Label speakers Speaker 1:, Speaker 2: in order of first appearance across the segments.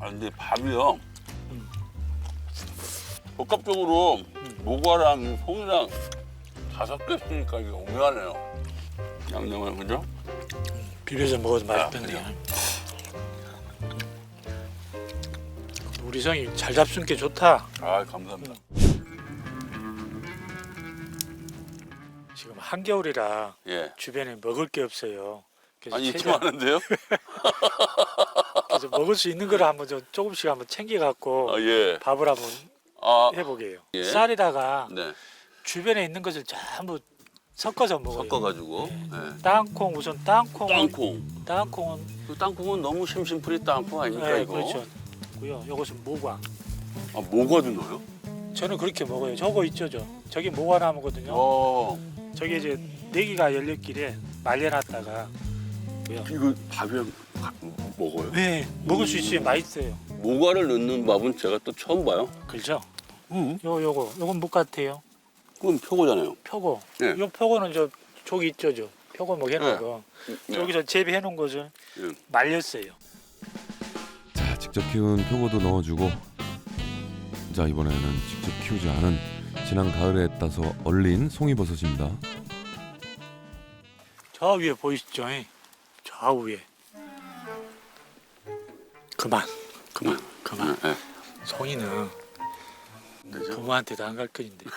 Speaker 1: 아 근데 밥이요. 복합적으로 모과랑 송이랑 다 섞여 있으니까 이게 오묘하네요. 양념을 그죠?
Speaker 2: 비벼서 먹어도 맛있던데.
Speaker 1: 그래요?
Speaker 2: 우리 성이 잘 잡순 게 좋다.
Speaker 1: 아 감사합니다.
Speaker 2: 지금 한겨울이라
Speaker 1: 예.
Speaker 2: 주변에 먹을 게 없어요. 그래서
Speaker 1: 아니
Speaker 2: 최대한
Speaker 1: 많은데요?
Speaker 2: 그래서 먹을 수 있는 거를 한번 좀 조금씩 한번 챙겨 갖고
Speaker 1: 아 예.
Speaker 2: 밥을 한번
Speaker 1: 아
Speaker 2: 해보게요.
Speaker 1: 예.
Speaker 2: 쌀에다가
Speaker 1: 네.
Speaker 2: 주변에 있는 것을 전부 섞어서 먹어요.
Speaker 1: 섞어가지고. 예.
Speaker 2: 땅콩 우선 땅콩.
Speaker 1: 땅콩.
Speaker 2: 땅콩은
Speaker 1: 그 땅콩은 너무 심심풀이 땅콩 아닙니까
Speaker 2: 네,
Speaker 1: 이거?
Speaker 2: 그렇죠. 고요. 이것은 모과.
Speaker 1: 아 모과도 넣어요?
Speaker 2: 저는 그렇게 먹어요. 저거 있죠, 저기 모과나무거든요.
Speaker 1: 어.
Speaker 2: 저기 이제 내기가 열렸길래 말려놨다가
Speaker 1: 이거 밥이랑 먹어요?
Speaker 2: 네, 먹을 수 있어요. 맛있어요.
Speaker 1: 모과를 넣는 밥은 제가 또 처음 봐요.
Speaker 2: 그렇죠?
Speaker 1: 응.
Speaker 2: 요건 묵 같아요.
Speaker 1: 그건 표고잖아요.
Speaker 2: 표고.
Speaker 1: 네.
Speaker 2: 요 표고는 저기 있죠, 표고 뭐 해놓은
Speaker 1: 네.
Speaker 2: 거.
Speaker 1: 네.
Speaker 2: 여기서 재배해 놓은 것을
Speaker 1: 네.
Speaker 2: 말렸어요.
Speaker 3: 자, 직접 키운 표고도 넣어주고, 자 이번에는 직접 키우지 않은 지난 가을에 따서 얼린 송이버섯입니다.
Speaker 2: 저 위에 보이시죠? 저 위에. 그만.
Speaker 1: 네.
Speaker 2: 송이는
Speaker 1: 그죠?
Speaker 2: 부모한테도 안 갈 거인데.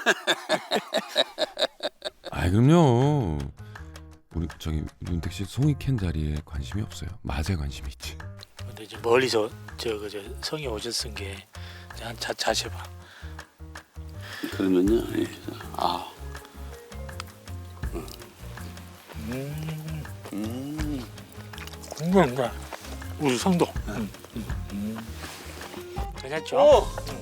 Speaker 3: 아 그럼요. 우리 저기 윤택 씨 송이 캔 자리에 관심이 없어요. 맛에 관심이 있지.
Speaker 2: 근데 이제 멀리서 저 성이 오셨은 게 자셔봐.
Speaker 1: 그러면요. 예. 아.
Speaker 2: 궁금한가? 우리 성도. 괜찮죠?
Speaker 1: 어.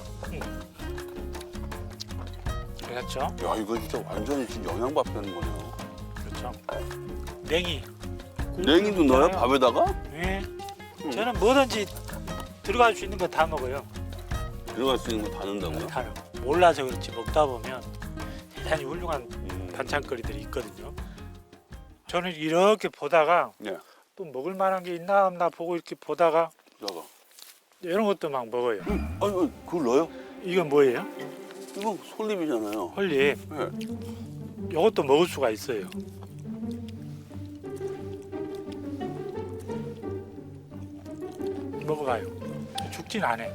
Speaker 2: 괜찮죠?
Speaker 1: 야 이거 진짜 완전히 지금 영양밥 되는 거네요.
Speaker 2: 그렇죠. 냉이.
Speaker 1: 냉이도 넣어요? 밥에다가?
Speaker 2: 네. 저는 뭐든지 들어갈 수 있는 거 다 먹어요.
Speaker 1: 들어갈 수 있는 거 다 넣는다고요?
Speaker 2: 다 몰라서 그렇지 먹다 보면 대단히 훌륭한 반찬거리들이 있거든요. 저는 이렇게 보다가
Speaker 1: 네.
Speaker 2: 또 먹을 만한 게 있나 없나 보고 이렇게 보다가
Speaker 1: 여가.
Speaker 2: 이런 것도 막 먹어요.
Speaker 1: 아니 그걸 넣어요?
Speaker 2: 이건 뭐예요?
Speaker 1: 이거 솔잎이잖아요.
Speaker 2: 헐리.
Speaker 1: 네.
Speaker 2: 이것도 먹을 수가 있어요. 먹어가요. 죽진 않아.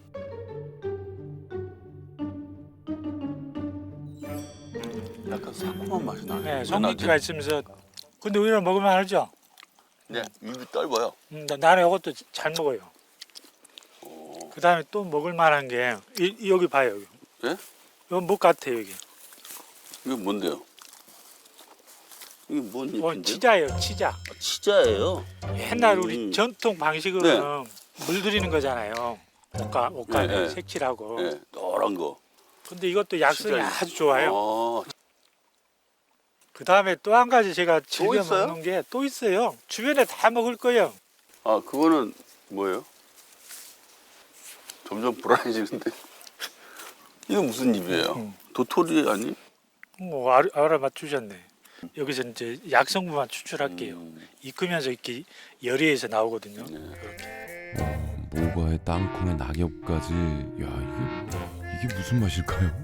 Speaker 1: 약간 새콤한 맛이 나네.
Speaker 2: 네, 성미기가 있으면서 근데 우리는 먹으면 알죠?
Speaker 1: 네, 입이 짧아요.
Speaker 2: 나는 이것도 잘 먹어요. 그 다음에 또 먹을 만한 게 여기 봐요. 여기.
Speaker 1: 예?
Speaker 2: 이건 묵 같아요. 여기.
Speaker 1: 이게 뭔데요? 이게 뭔
Speaker 2: 이건
Speaker 1: 잎인데요?
Speaker 2: 치자예요. 치자.
Speaker 1: 치자예요.
Speaker 2: 옛날 우리 전통 방식으로는
Speaker 1: 네.
Speaker 2: 물들이는 거잖아요. 옷간에
Speaker 1: 네, 네.
Speaker 2: 색칠하고.
Speaker 1: 네, 노란 거.
Speaker 2: 근데 이것도 약성이
Speaker 1: 치자예요.
Speaker 2: 아주 좋아요.
Speaker 1: 아,
Speaker 2: 그 다음에 또 한 가지 제가 즐겨
Speaker 1: 있어요?
Speaker 2: 먹는 게 또 있어요. 주변에 다 먹을 거예요.
Speaker 1: 아, 그거는 뭐예요? 점점 불안해지는데. 이거 무슨 잎이에요? 도토리 아니?
Speaker 2: 뭐 알아맞추셨네. 여기서 이제 약성분만 추출할게요. 익으면서 이렇게 열이에서 나오거든요.
Speaker 1: 네.
Speaker 3: 모과에 땅콩에 낙엽까지. 야 이게 무슨 맛일까요?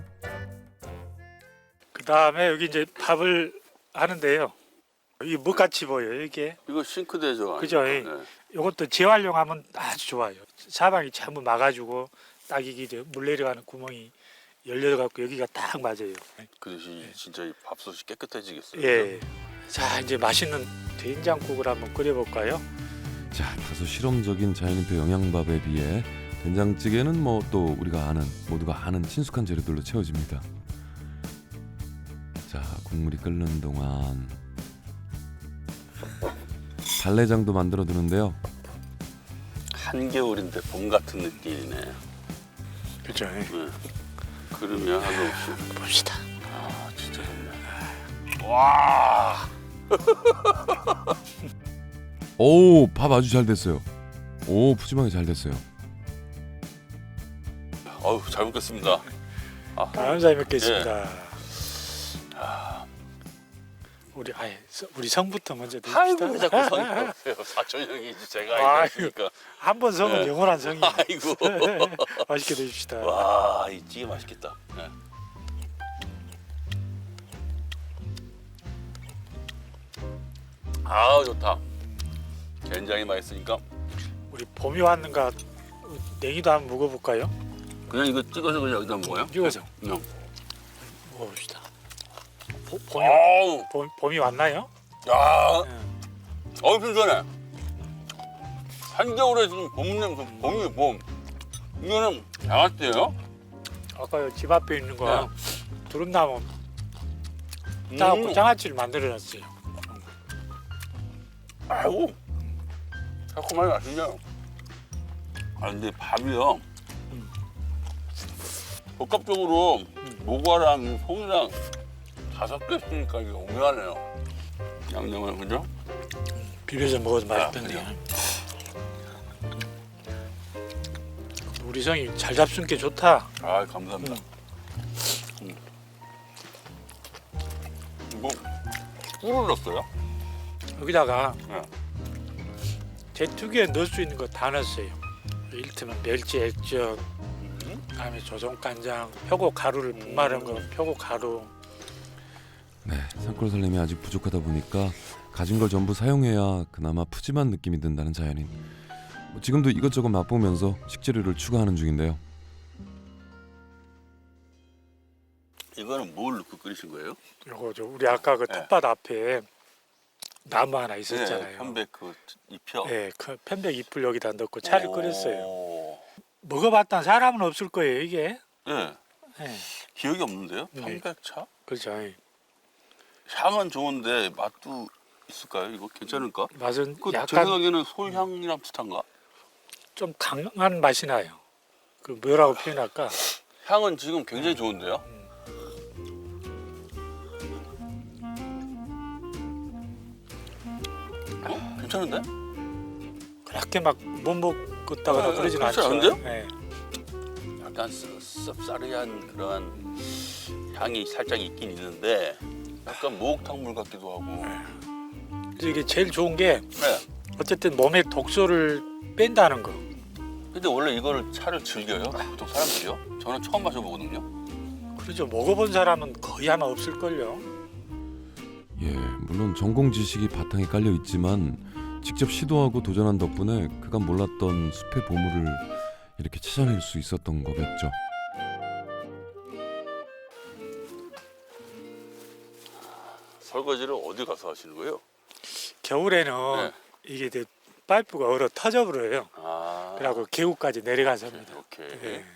Speaker 2: 그 다음에 여기 이제 밥을 하는데요. 이 묵같이 보여요. 이게
Speaker 1: 이거 싱크대죠?
Speaker 2: 그죠?
Speaker 1: 아닙니까? 네.
Speaker 2: 이것도 재활용하면 아주 좋아요. 사방이 전부 막아주고 딱 이게 이제 물 내려가는 구멍이 열려갖고 여기가 딱 맞아요.
Speaker 1: 그래서 진짜 이 밥솥이 깨끗해지겠어요.
Speaker 2: 예. 자 이제 맛있는 된장국을 한번 끓여볼까요?
Speaker 3: 자, 다소 실험적인 자연인표 영양밥에 비해 된장찌개는 뭐 또 우리가 아는 모두가 아는 친숙한 재료들로 채워집니다. 자, 국물이 끓는 동안 달래장도 만들어 두는데요.
Speaker 1: 한겨울인데 봄 같은 느낌이네.
Speaker 2: 그렇죠.
Speaker 1: 네. 그러면 하루 없이.
Speaker 2: 봅시다.
Speaker 1: 아, 진짜 좋네. 와.
Speaker 3: 오, 밥 아주 잘 됐어요. 오, 푸짐하게 잘 됐어요.
Speaker 1: 어우, 잘 먹겠습니다.
Speaker 2: 감사히 먹겠습니다. 우리 성부터 먼저 드립시다.
Speaker 1: 아이고 왜 자꾸 성이 없어요. 사촌 형이지 제가
Speaker 2: 아이고.
Speaker 1: 알겠으니까.
Speaker 2: 한 번 성은
Speaker 1: 네.
Speaker 2: 영원한 성이.
Speaker 1: 아이고.
Speaker 2: 맛있게 드십시다.
Speaker 1: 와, 이 찌개 맛있겠다. 네. 아 좋다. 굉장히 맛있으니까
Speaker 2: 우리 봄이 왔는가 냉이도 한번 먹어볼까요?
Speaker 1: 그냥 이거 찍어서 그냥 여기다 먹어요?
Speaker 2: 찍어서
Speaker 1: 그냥.
Speaker 2: 먹어봅시다.
Speaker 1: 아우,
Speaker 2: 봄이 왔나요?
Speaker 1: 야,
Speaker 2: 네.
Speaker 1: 신선해. 한겨울에 지금 봄 냄새, 봄이 봄. 이거는 장아찌예요?
Speaker 2: 아까 집 앞에 있는 거
Speaker 1: 네.
Speaker 2: 두릅나무 따갖고 장아찌를 만들어놨어요.
Speaker 1: 아이고, 새콤하게 맛있네요. 아 근데 밥이요. 복합적으로 모과랑 송이랑 다 섞여 있으니까 이게 오묘하네요. 양념을 그죠?
Speaker 2: 비벼서 먹어도 맛있던데.
Speaker 1: 그래요?
Speaker 2: 우리 성이 잘 잡순 게 좋다.
Speaker 1: 아 감사합니다. 뭐 꿀을 넣었어요?
Speaker 2: 여기다가
Speaker 1: 네.
Speaker 2: 제투기에 넣을 수 있는 거 다 넣었어요. 이를테면 멸치 액젓, 그다음에 조선 간장, 표고 가루를 분말한 거, 표고 가루.
Speaker 3: 네, 산골 살림이 아직 부족하다 보니까 가진 걸 전부 사용해야 그나마 푸짐한 느낌이 든다는 자연인. 지금도 이것저것 맛보면서 식재료를 추가하는 중인데요.
Speaker 1: 이거는 뭘 넣고 끓이신 거예요?
Speaker 2: 요거 우리 아까 그
Speaker 1: 네.
Speaker 2: 텃밭 앞에 나무 하나 있었잖아요.
Speaker 1: 편백 그 잎이요.
Speaker 2: 네, 그 편백 잎을 여기다 넣고 차를 끓였어요.
Speaker 1: 오.
Speaker 2: 먹어봤던 사람은 없을 거예요, 이게.
Speaker 1: 네.
Speaker 2: 네,
Speaker 1: 기억이 없는데요?
Speaker 2: 네.
Speaker 1: 편백차?
Speaker 2: 그렇죠.
Speaker 1: 향은 좋은데 맛도 있을까요? 이거 괜찮을까?
Speaker 2: 맛은
Speaker 1: 그 제
Speaker 2: 약간
Speaker 1: 생각에는 솔향이랑 비슷한가?
Speaker 2: 좀 강한 맛이 나요. 그 뭐라고 표현할까?
Speaker 1: 향은 지금 굉장히 좋은데요? 괜찮은데?
Speaker 2: 그렇게 막 못 먹었다거나
Speaker 1: 네,
Speaker 2: 그러진
Speaker 1: 그렇지
Speaker 2: 않죠.
Speaker 1: 않은데요?
Speaker 2: 네.
Speaker 1: 약간 씁쓸한 그런 향이 살짝 있긴 있는데 약간 목탕물 같기도 하고.
Speaker 2: 그래서 이게 제일 좋은 게
Speaker 1: 네.
Speaker 2: 어쨌든 몸의 독소를 뺀다는 거.
Speaker 1: 근데 원래 이거를 차를 즐겨요? 보통 사람들이요? 저는 처음 마셔보거든요.
Speaker 2: 그렇죠. 먹어본 사람은 거의 아마 없을걸요.
Speaker 3: 예, 물론 전공 지식이 바탕에 깔려 있지만 직접 시도하고 도전한 덕분에 그간 몰랐던 숲의 보물을 이렇게 찾아낼 수 있었던 거겠죠.
Speaker 1: 설거지를 어디 가서 하시는 거예요?
Speaker 2: 겨울에는
Speaker 1: 네.
Speaker 2: 이게 이제 파이프가 얼어 터져버려요.
Speaker 1: 아.
Speaker 2: 그래갖고 계곡까지 내려가서 합니다.
Speaker 1: 오케이.
Speaker 2: 네.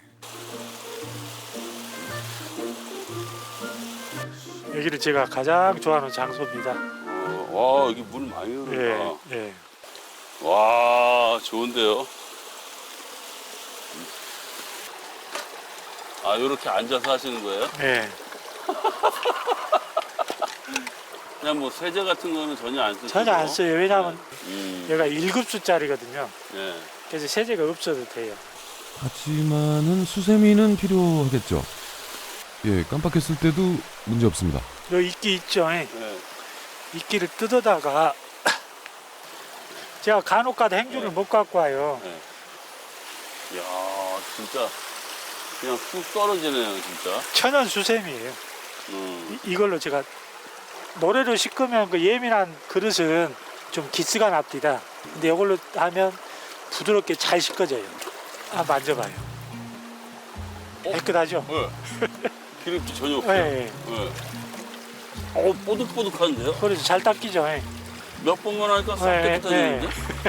Speaker 2: 여기를 제가 가장 좋아하는 장소입니다.
Speaker 1: 와 여기 물 많이 흐른다.
Speaker 2: 예, 예.
Speaker 1: 와 좋은데요. 아 이렇게 앉아서 하시는 거예요?
Speaker 2: 예.
Speaker 1: 그냥 뭐 세제 같은 거는 전혀 안 쓰시고?
Speaker 2: 전혀 안 써요. 왜냐하면
Speaker 1: 얘가
Speaker 2: 얘가 1급수짜리거든요.
Speaker 1: 네.
Speaker 2: 그래서 세제가 없어도 돼요.
Speaker 3: 하지만은 수세미는 필요하겠죠. 예, 깜빡했을 때도 문제 없습니다.
Speaker 2: 요 이끼 있죠. 예.
Speaker 1: 네.
Speaker 2: 이끼를 뜯어다가 제가 간혹가다 행주를 못 갖고 와요.
Speaker 1: 네. 이야 진짜 그냥 쑥 떨어지네요 진짜.
Speaker 2: 천연 수세미예요. 이걸로 제가 노래를 씻으면 그 예민한 그릇은 좀 기스가 납니다. 근데 이걸로 하면 부드럽게 잘 씻겨져요. 한번 만져봐요. 깨끗하죠?
Speaker 1: 네. 기름기 전혀 없어요.
Speaker 2: 네.
Speaker 1: 네. 뽀득뽀득한데요?
Speaker 2: 그래서 잘 닦이죠. 예.
Speaker 1: 몇 번만 하니까 싹
Speaker 2: 네,
Speaker 1: 깨끗해지는데?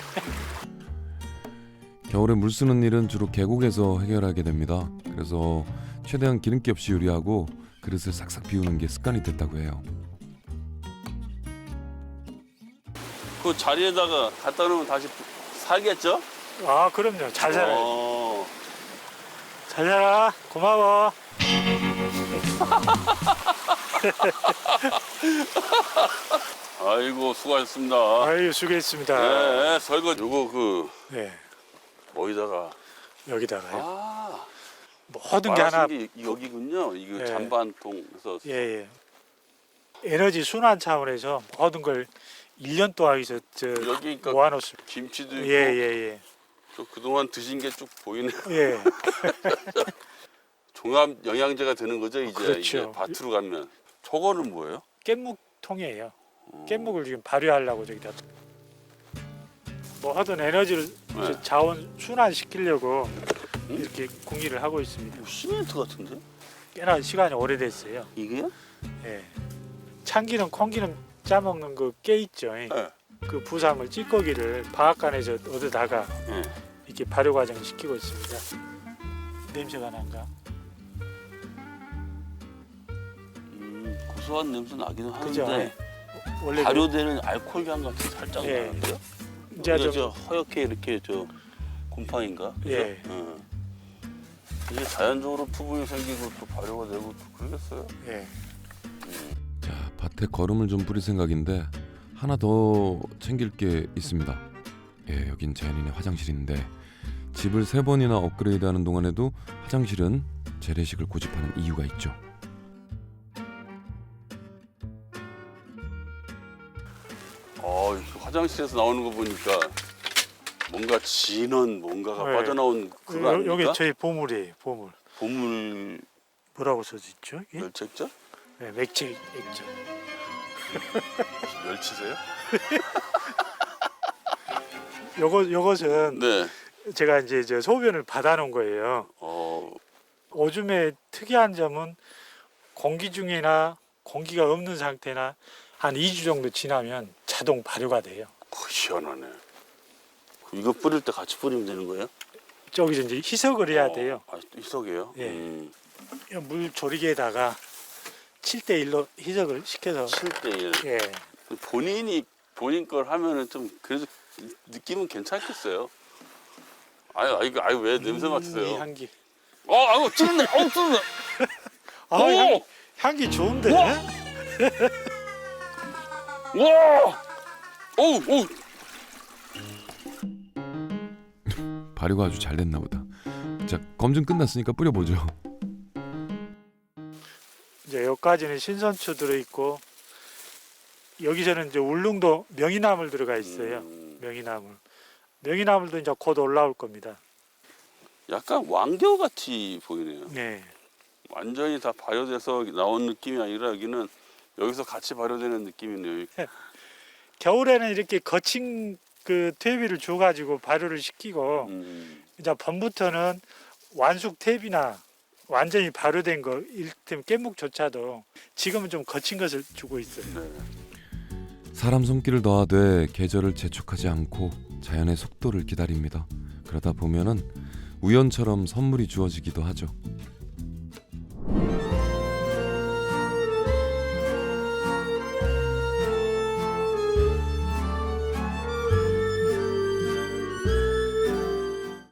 Speaker 3: 겨울에 물 쓰는 일은 주로 계곡에서 해결하게 됩니다. 그래서 최대한 기름기 없이 요리하고 그릇을 싹싹 비우는 게 습관이 됐다고 해요.
Speaker 1: 그 자리에다가 갖다 놓으면 다시 살겠죠?
Speaker 2: 아, 그럼요. 잘 살아요.
Speaker 1: 어.
Speaker 2: 잘 살아. 고마워.
Speaker 1: 아이고 수고하셨습니다.
Speaker 2: 아유, 수고했습니다.
Speaker 1: 네, 설거지 요거 그
Speaker 2: 네.
Speaker 1: 어디다가
Speaker 2: 여기다가요.
Speaker 1: 아
Speaker 2: 모든 게 하나.
Speaker 1: 말하신 게 여기군요. 이거
Speaker 2: 네.
Speaker 1: 잔반통에서
Speaker 2: 예, 예. 에너지 순환 차원에서 모든 걸 1년 동안에서
Speaker 1: 여기 그러니까
Speaker 2: 모아놓습니다.
Speaker 1: 김치도 있고
Speaker 2: 예예예.
Speaker 1: 또 그동안 드신 게 쭉 보이네요.
Speaker 2: 예.
Speaker 1: 종합 영양제가 되는 거죠 이제.
Speaker 2: 그렇죠.
Speaker 1: 이제 밭으로 가면. 저거는 뭐예요?
Speaker 2: 깻묵통이에요. 깻묵을 지금 발효하려고 저기다. 뭐 하던 에너지를
Speaker 1: 네.
Speaker 2: 자원 순환시키려고 이렇게 궁리를 하고 있습니다.
Speaker 1: 시멘트 같은데?
Speaker 2: 꽤나 시간이 오래됐어요.
Speaker 1: 이게요?
Speaker 2: 예. 참기름, 콩기름 짜먹는 그 깨 있죠.
Speaker 1: 네.
Speaker 2: 그 부산물 찌꺼기를 방앗간에서 얻어다가
Speaker 1: 네.
Speaker 2: 이렇게 발효 과정을 시키고 있습니다. 냄새가 난가?
Speaker 1: 고소한 냄새 나기는
Speaker 2: 그죠?
Speaker 1: 하는데
Speaker 2: 원래
Speaker 1: 발효되는 알코올 향 같은 살짝
Speaker 2: 예.
Speaker 1: 나는데요?
Speaker 2: 이제
Speaker 1: 이게
Speaker 2: 좀
Speaker 1: 저 허옇게 이렇게 저 곰팡인가? 그죠?
Speaker 2: 예.
Speaker 1: 이게 자연적으로 부분이 생기고 또 발효가 되고 또 그러겠어요?
Speaker 2: 예.
Speaker 3: 자, 밭에 거름을 좀 뿌릴 생각인데 하나 더 챙길 게 있습니다. 예, 여긴 자연인의 화장실인데 집을 3번이나 업그레이드하는 동안에도 화장실은 재래식을 고집하는 이유가 있죠.
Speaker 1: 화장실에서 나오는 거 보니까 뭔가 진한 뭔가가
Speaker 2: 네.
Speaker 1: 빠져나온 그거 아닙니까?
Speaker 2: 여기 저희 보물이에요. 보물.
Speaker 1: 보물
Speaker 2: 뭐라고 써져 있죠? 이게?
Speaker 1: 멸책자?
Speaker 2: 네, 맥주 액젓.
Speaker 1: 멸치세요?
Speaker 2: 요것은
Speaker 1: 네.
Speaker 2: 제가 이제 저 소변을 받아놓은 거예요. 오줌의 특이한 점은 공기 중이나 공기가 없는 상태나 한 2주 정도 지나면 자동 발효가 돼요.
Speaker 1: 희한하네. 이거 뿌릴 때 같이 뿌리면 되는 거예요?
Speaker 2: 저기서 이제 희석을 해야 돼요.
Speaker 1: 희석이에요?
Speaker 2: 예. 물 조리개에다가 7대1로 희석을 시켜서
Speaker 1: 7대1.
Speaker 2: 예.
Speaker 1: 본인 걸 하면은 좀 그래도 느낌은 괜찮겠어요. 아유 왜 냄새
Speaker 2: 이
Speaker 1: 맡으세요?
Speaker 2: 향기.
Speaker 1: 아유 찌른다. 찌른다. 오!
Speaker 2: 향기 좋은데?
Speaker 1: 와! 오!
Speaker 3: 발효가 아주 잘 됐나 보다. 자, 검증 끝났으니까 뿌려보죠.
Speaker 2: 이제 여기까지는 신선초 들어있고 여기서는 이제 울릉도 명이나물 들어가 있어요. 명이나물도 이제 곧 올라올 겁니다.
Speaker 1: 약간 왕겨 같이 보이네요.
Speaker 2: 네.
Speaker 1: 완전히 다 발효돼서 나온 느낌이 아니라 여기는 여기서 같이 발효되는 느낌이네요.
Speaker 2: 겨울에는 이렇게 거친 그 퇴비를 줘가지고 발효를 시키고 이제 봄부터는 완숙 퇴비나 완전히 발효된 거 이를테면 깻묵조차도 지금은 좀 거친 것을 주고 있어요.
Speaker 1: 네.
Speaker 3: 사람 손길을 더하되 계절을 재촉하지 않고 자연의 속도를 기다립니다. 그러다 보면은 우연처럼 선물이 주어지기도 하죠.